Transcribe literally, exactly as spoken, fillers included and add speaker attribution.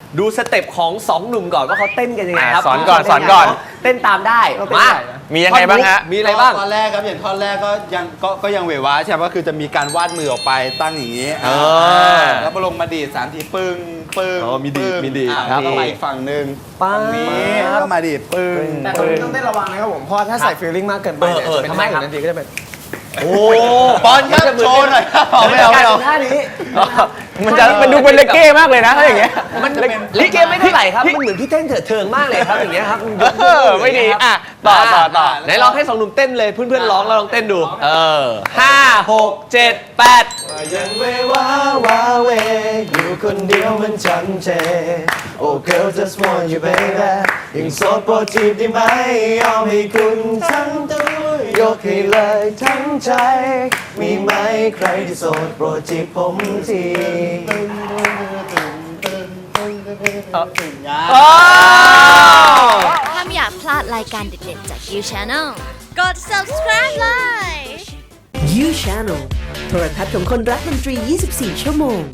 Speaker 1: ดูสเต็ปของสองหนุ่มก่อนว่าเขาเต้นกันยังไงครับ
Speaker 2: สอนก่อนสอนก่อน
Speaker 1: เต้นตามได้มา
Speaker 2: มียังไงบ้างฮะ
Speaker 1: มีอะไรบ้าง
Speaker 3: ตอนแรกครับอย่างท่อนแรกก็ยังก็ก็ยังเววาใช่ไหมก็คือจะมีการวาดมือออกไปตั้งอย่างนี้
Speaker 1: เออ
Speaker 3: แล้วมาลงมาดีดสามทีปึ้งปึ้ง
Speaker 1: อ๋อมีดีด
Speaker 3: ปึ้ง
Speaker 1: มีดีด
Speaker 3: อ่ะ
Speaker 1: ครับ
Speaker 3: แล้วก็มาอีกฝั่งหนึ่ง
Speaker 1: ป๊าบ
Speaker 3: ฝั่งนี้ก็มาดีดปึ้ง
Speaker 4: แต่ตรงนี้ต้องเต้นระวังนะครับผมเพราะถ้าใส่ฟีลลิ่งมากเกินไปเนี่ย
Speaker 1: เออเออ
Speaker 4: จะเป็น
Speaker 1: ทำไม
Speaker 4: ท่า
Speaker 1: ครับ
Speaker 4: อื่นทันทีก็จะเป็น
Speaker 1: โอ้
Speaker 3: ปอนครับโชว์หน่อยครับไม่เอาไม่เอา
Speaker 1: ท่านี้
Speaker 2: มันจะมันดูเป็นเลเก้มากเลยนะถ้าอย่างเงี้ย
Speaker 1: มันลิเกไม่เท่าไหร่ครับมันเหมือนพี่เต้นเถิดเทิงมากเลยครับอย่างเงี้ยครับ
Speaker 2: เออไม่ดีอ่ะต่อต่อต่อ
Speaker 1: ไหนลองให้สองหนุ่มเต้นเลยเพื่อนๆร้องแล้วลองเต้นดูเออห้าหกเจ็ดแปด
Speaker 4: ยังเววาวาเวอยู่คนเดียวมันจำเจ Oh girl just want you baby ยังโสดโปรดจีบได้ไหมยอมให้คุณทั้งตัวยกให้เลยทั้งใจ มีไหมใครที่โสดโปรดจีบผมที
Speaker 5: ถ้าไม่อยากพลาดรายการเด็ดๆจาก You Channel กด subscribe เลย
Speaker 6: You Channel โทรทัศน์ของคนรักดนตรี ยี่สิบสี่ ชั่วโมง